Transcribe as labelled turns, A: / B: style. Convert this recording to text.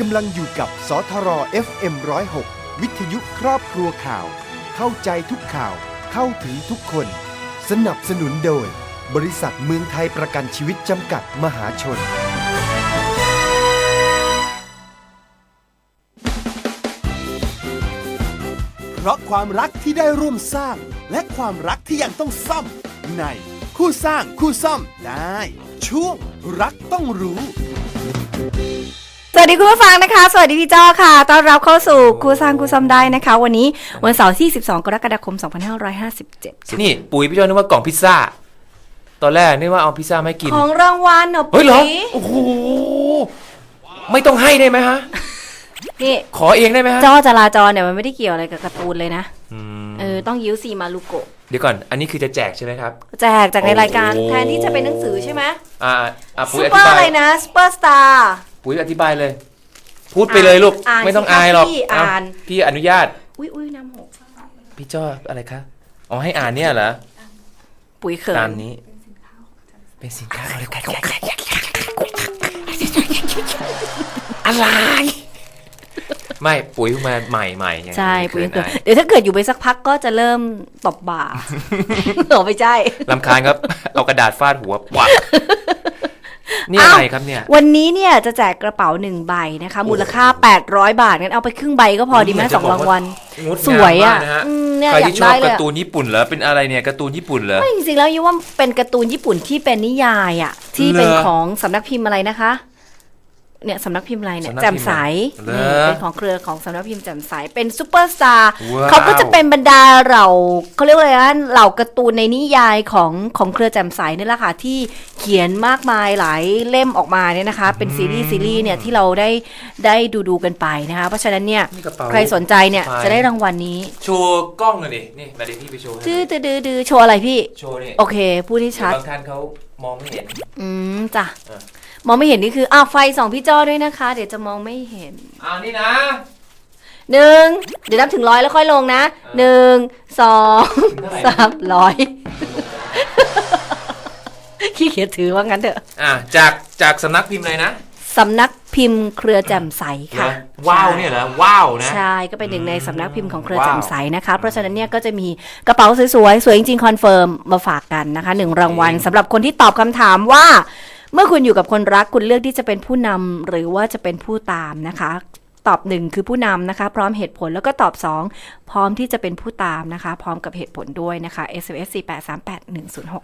A: ำลังอยู่กับสทร FM 106 วิทยุครอบครัวข่าวเข้าใจทุกข่าวเข้าถึงทุกคนสนับสนุนโดยบริษัทเมืองไทยประกันชีวิตจำกัดมหาชนเพราะความรักที่ได้ร่วมสร้างและความรักที่ยังต้องซ่อมในคู่สร้างคู่ซ่อมได้ช่วงรักต้องรู้
B: สวัสดีคุณผู้ฟังนะคะสวัสดีพี่จ้อค่ะต้อนรับเข้าสู่คู่สร้างคู่ซ่อมได้นะคะวันนี้วันเสาร์ที่12กรกฎาคม2557
C: นี่ปุ๋ยพี่จ้อนึกว่ากล่องพิซซ่าตอนแรกนึกว่าเอาพิซซ่าไม่กิน
B: ของรางวัลเหรอปุ๋ย
C: เฮ้ยเหรอโอ้โหไม่ต้องให้ได้ไหมฮะ
B: นี่
C: ขอเองได้ไหมฮะ
B: จ้อจราจรเนี่ยมันไม่ได้เกี่ยวอะไรกับการ์ตูนเลยนะต้องยิ้วซีมารุโกะ
C: เดี๋ยวก่อนอันนี้คือจะแจกใช่ไหมครับ
B: แจกจากในรายการแทนที่จะเป็นหนังสือใช่ไหม
C: ปุ๋ยอธิบาย
B: อะไรนะซุปเปอร์สตาร์
C: ปุ๋ยอธิบายเลยพูดไปเลยลูกไม่ต้องอายหรอกพี่อนุญาต
B: อุ้ยน้ำหก
C: พี่จ้ออะไรคะอ๋อให้อ่านเนี่ยเหรอ
B: ปุ๋ยเขิน
C: ตามนี้เป็นสินค้าอะไรไม่ปุ๋ยมาใหม่
B: ใช่ปุ๋ยเกิดเดี๋ยวถ้าเกิดอยู่ไปสักพักก็จะเริ่มตบบ่าหรอไม่ใช่
C: รำคาญครับเอากระดาษฟาดหัวปักนี่อะไรครับเนี่ย
B: วันนี้เนี่ยจะแจกกระเป๋า1ใบนะคะมูลค่า800 บาทงั้นเอาไปครึ่งใบก็พอดีไหม2รางวัลสวยอ่ะ
C: ใครที่ชอบการ์ตูนญี่ปุ่นเหรอเป็นอะไรเนี่ยการ์ตูนญี่ปุ่นเหรอ
B: ไม่จริงๆแล้วยิ่งว่าเป็นการ์ตูนญี่ปุ่นที่เป็นนิยายอ่ะที่เป็นของสำนักพิมพ์อะไรนะคะเนี่ยสำนักพิมพ์อะไรเนี่ยแจ่มใสเป็นของเครือของสำนักพิมพ์แจ่มใสเป็นซุปเปอร์สตาร์เขาก็จะเป็นบรรดาเขาเรียกว่าอะไรนะเหล่าการ์ตูนในนิยายของเครือแจ่มใสนี่แหละค่ะที่เขียนมากมายหลายเล่มออกมาเนี่ยนะคะเป็นซีรีส์เนี่ยที่เราได้ดูกันไปนะคะเพราะฉะนั้นเนี่ยใครสนใจเนี่ยจะได้รางวัลนี้
C: โชว์กล้องเลยนี่มาเดี๋ยวพี่ไปโชว์
B: ดื้อโชว์อะไรพี่
C: โชว์นี่
B: โอเคพูดให้ชัด
C: บางท่านเขามองไม่เห็น
B: จ้ะมองไม่เห็นนี่คือไฟส่องพี่จ้อด้วยนะคะเดี๋ยวจะมองไม่เห็น
C: นี่นะ
B: 1เดี๋ยวนับถึง100แล้วค่อยลงนะ1 2 3 100ขี้เกียจถือว่างั้นเถอะ
C: จากสำนักพิมพ์เลยนะ
B: สำนักพิมพ์เครือแจ่มใสค่ะ
C: ว้าวเนี่ยเหรอว้าวนะ
B: ใช่ก็เป็นหนึ่งในสำนักพิมพ์ของเครือแจ่มใสนะคะเพราะฉะนั้นเนี่ยก็จะมีกระเป๋าสวยๆสวยจริงๆคอนเฟิร์มมาฝากกันนะคะ1รางวัลสำหรับคนที่ตอบคำถามว่าเมื่อคุณอยู่กับคนรักคุณเลือกที่จะเป็นผู้นำหรือว่าจะเป็นผู้ตามนะคะตอบ1คือผู้นำนะคะพร้อมเหตุผลแล้วก็ตอบ2พร้อมที่จะเป็นผู้ตามนะคะพร้อมกับเหตุผลด้วยนะคะ SMS 4838106